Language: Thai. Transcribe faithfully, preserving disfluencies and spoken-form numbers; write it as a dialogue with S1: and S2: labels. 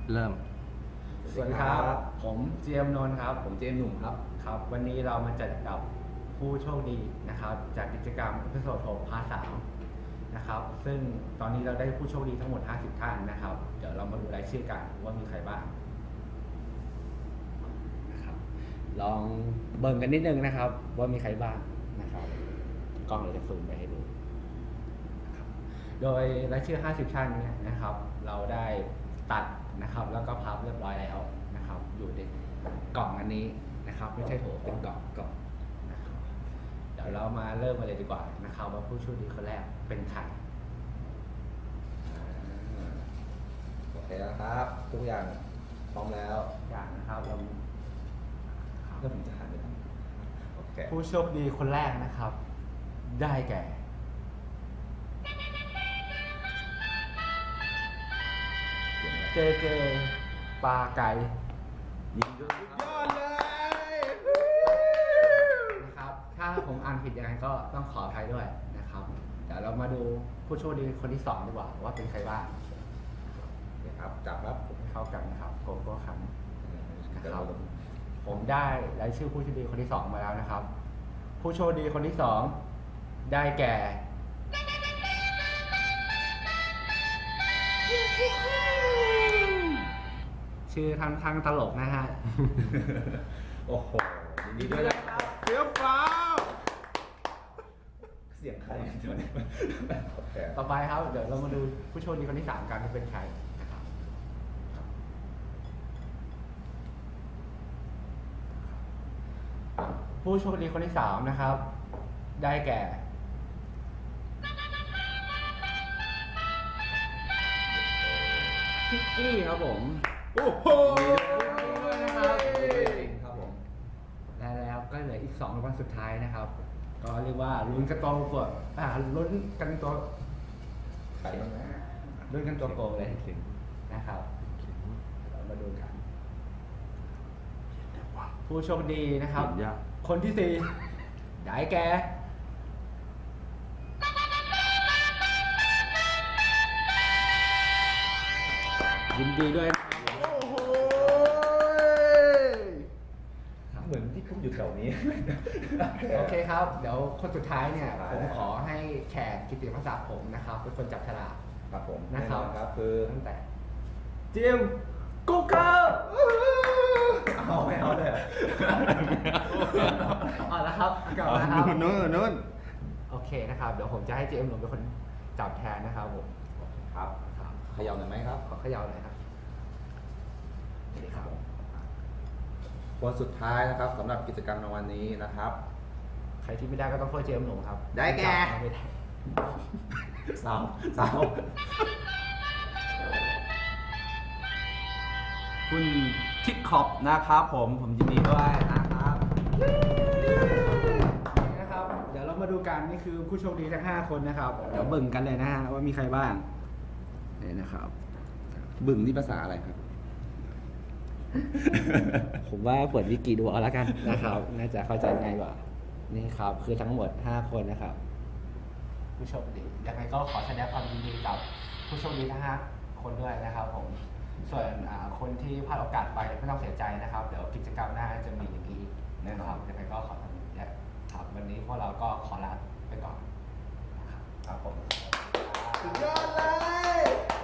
S1: เริ่ม
S2: สวัสดีครับผมเจมส์นนท์ครับผมเจมส์หนุ่มครับครับวันนี้เรามาจัดกับผู้โชคดีนะครับจากกิจกรรมเอพิโซดหกพาร์ทสามนะครับซึ่งตอนนี้เราได้ผู้โชคดีทั้งหมดห้าสิบท่านนะครับเดี๋ยวเรามาดูรายชื่อกันว่ามีใครบ้างนะครับลองเบิ่งกันนิดนึงนะครับว่ามีใครบ้างนะครับกล้องเราจะซูมไปให้ดูนะครับโดยรายชื่อห้าสิบท่านเนี่ยนะครับเราได้ตัดนะครับแล้วก็พับเรียบร้อยแล้วนะครับอยู่ในกล่องอันนี้นะครับไม่ใช่โถเป็นกล่องกล่องนะครับเดี๋ยวเรามาเริ่มกันเลยดีกว่านะครับว่าผู้โชคดีคนแรกเป็นใคร
S3: โอเคแล้วครับทุกอย่างพร้อมแล้ว
S2: อย่างนะครับเรา
S3: แล้วผมจะหันไปทางโอเค
S2: ผู้โชคดีคนแรกนะครับได้แก่เจเจปลาไก่
S3: ยิงด้วยยอดเลย
S2: นะครับถ้าผมอ่านผิดยังไงก็ต้องขออภัยด้วยนะครับเดี๋ยวเรามาดูผู้โชคดีคนที่สองดีกว่าว่าเป็นใครบ้าง
S3: โอเคครับจับครับ
S2: ให้เข้ากันนะครับโกโก้คัน
S3: เดี๋ยวเราลง
S2: ผมได้รายชื่อผู้โชคดีคนที่สองมาแล้วนะครับ ผู้โชคดีคนที่สองได้แก่ ชื่อทางทางตลกนะฮะ
S3: โอ้โหยินดีด้วยนะครับ
S1: เสียฟ้า
S3: เสียงใครเดี๋ยวนี้โอเค
S2: ต่อไปครับเดี๋ยวเรามาดูผู้โชคดีคนที่สามกันว่าเป็นใครนะครับผู้โชคดีคนที่สามนะครับ ได้แก่พิกกี้ครับผม
S1: โอ้โห
S2: นะครับ
S3: ครับผม
S2: และแล้วก็เหลืออีกสองรางวัลสุดท้ายนะครับ ก็เรียกว่าลุ้นกันตัวเปิดอ่าลุ้นกันตัว
S3: ใครบ้างนะ
S2: ลุ้นกันตัวโกงเลยนะครับเรามาดูกัน ผู้โชคดีนะครับ
S1: เห็นยาก
S2: คนที่สี่ได้แก่ยินดีด้วยนะครับ
S1: โอ้โห
S3: เหมือนที่ผมอยู่แถวนี้
S2: โอเคครับ เดี๋ยวคนสุดท้ายเนี่ย
S3: ได้
S2: ผมขอให้แขกกิตติมศักดิ์ผมนะครับเป็นคนจับฉลาก
S3: ครับผม
S2: นะ
S3: แน่
S2: คน รับ
S3: อนครับคือ
S2: ตั้งแต่เจมส์กูเกอร์
S3: เอาไม่เอาเลย
S2: เอาละครับกลับมาครับ
S1: นู้นนู้น
S2: โอเคนะครับ เดี๋ยวผมจะให้เจมส์หนุ่มเป็นคนจับแทนนะครับผม
S3: ครับ
S2: ครับ
S3: เขย่าหน่อยไหมครับ
S2: ขอเขย่าหน่อยครับนี่ครับ
S3: คนสุดท้ายนะครับสำหรับกิจกรรมในวันนี้นะครับ
S2: ใครที่ไม่ได้ก็ต้องโทษเจมส์หนุ่มครับ
S3: ได้แก่
S2: จับไม่ได้
S3: สาวสาว
S1: คุณคิดขอบนะครับผมผมยินดีด้วยนะครับ
S2: นี่นะครับ เดี๋ยวเรามาดูกันนี่คือผู้โชคดีทั้งห้าคนนะครับ เดี๋ยวเบิ่งกันเลยนะฮะว่ามีใครบ้างนี่นะครับ
S1: บึ่งนี่ภาษาอะไรครับ
S2: ผมว่าเปิดวิกิดูเอาแล้วกันนะครับ น่าจะเข้าใจง่ายกว่า นี่ครับ คือทั้งหมดห้าคนนะครับ ผู้โชคดียังไงก็ขอแสดงความยินดีกับผู้โชคดีทั้งห้าคนด้วยนะครับ ผม ส่วนอ่าคนที่พลาดโอกาสไปไม่ต้องเสียใจนะครับ เดี๋ยวกิจกรรมหน้าจะมีอย่างนี้แน่นอนยังไงก็ขอทำเนี่ยครับวันนี้พวกเราก็ขอลาไปก่อนนะครับ
S3: ครับผม
S1: สุดยอดเลย